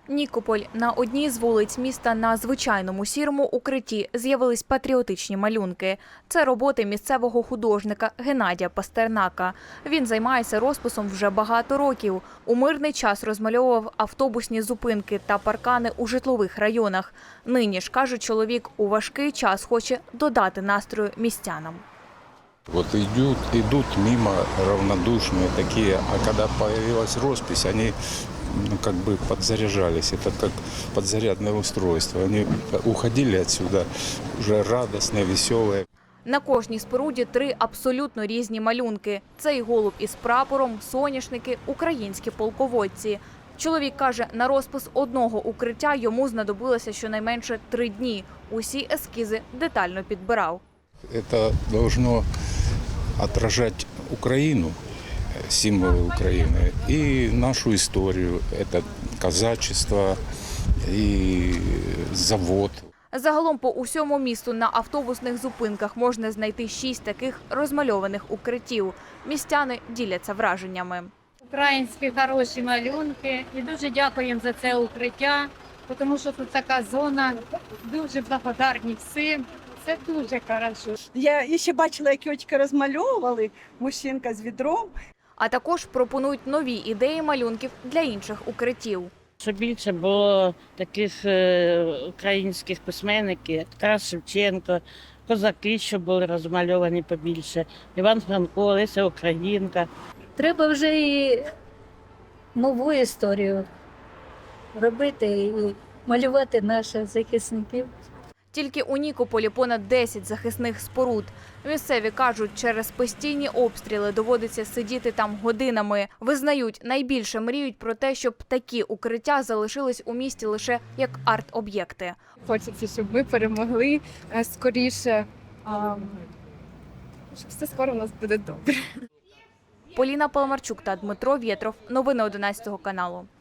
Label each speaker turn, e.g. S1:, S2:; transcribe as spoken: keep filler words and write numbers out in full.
S1: Нікополь. На одній з вулиць міста на звичайному сірому укритті з'явились патріотичні малюнки. Це роботи місцевого художника Геннадія Пастернака. Він займається розписом вже багато років. У мирний час розмальовував автобусні зупинки та паркани у житлових районах. Нині ж, каже чоловік, у важкий час хоче додати настрою містянам.
S2: Вот идут, идут мимо равнодушные такие, а когда появилась роспись, они ну, как бы подзаряжались. Это как подзарядное устройство. Они уходили отсюда уже радостные, веселые.
S1: На кожній споруді три абсолютно різні малюнки. Цей голуб із прапором, соняшники, українські полководці. Чоловік каже, на розпис одного укриття йому знадобилося щонайменше три дні. Усі ескізи детально підбирав.
S2: Это должно отражать Украину, символы Украины, и нашу историю. Это казачество и завод.
S1: Загалом по усьому місту на автобусних зупинках можна знайти шість таких розмальованих укриттів. Містяни діляться враженнями.
S3: Українські хороші малюнки. І дуже дякуємо за це укриття, тому що тут така зона. Дуже благодарні всім. Це дуже хорошо.
S4: Я ще бачила, як тітки розмальовували, мужчинка з відром.
S1: А також пропонують нові ідеї малюнків для інших укриттів.
S5: Щоб більше було таких е, українських письменників, як Тарас Шевченко, козаки, щоб були розмальовані побільше, Іван Франко, Леся Українка.
S6: Треба вже і нову історію робити і малювати наших захисників.
S1: Тільки у Нікополі понад десять захисних споруд. Місцеві кажуть, через постійні обстріли доводиться сидіти там годинами. Визнають, найбільше мріють про те, щоб такі укриття залишились у місті лише як арт-об'єкти.
S7: Хочеться, щоб ми перемогли скоріше, щоб все скоро у нас буде добре.
S1: Поліна Паламарчук та Дмитро Вєтров. Новини одинадцятого каналу.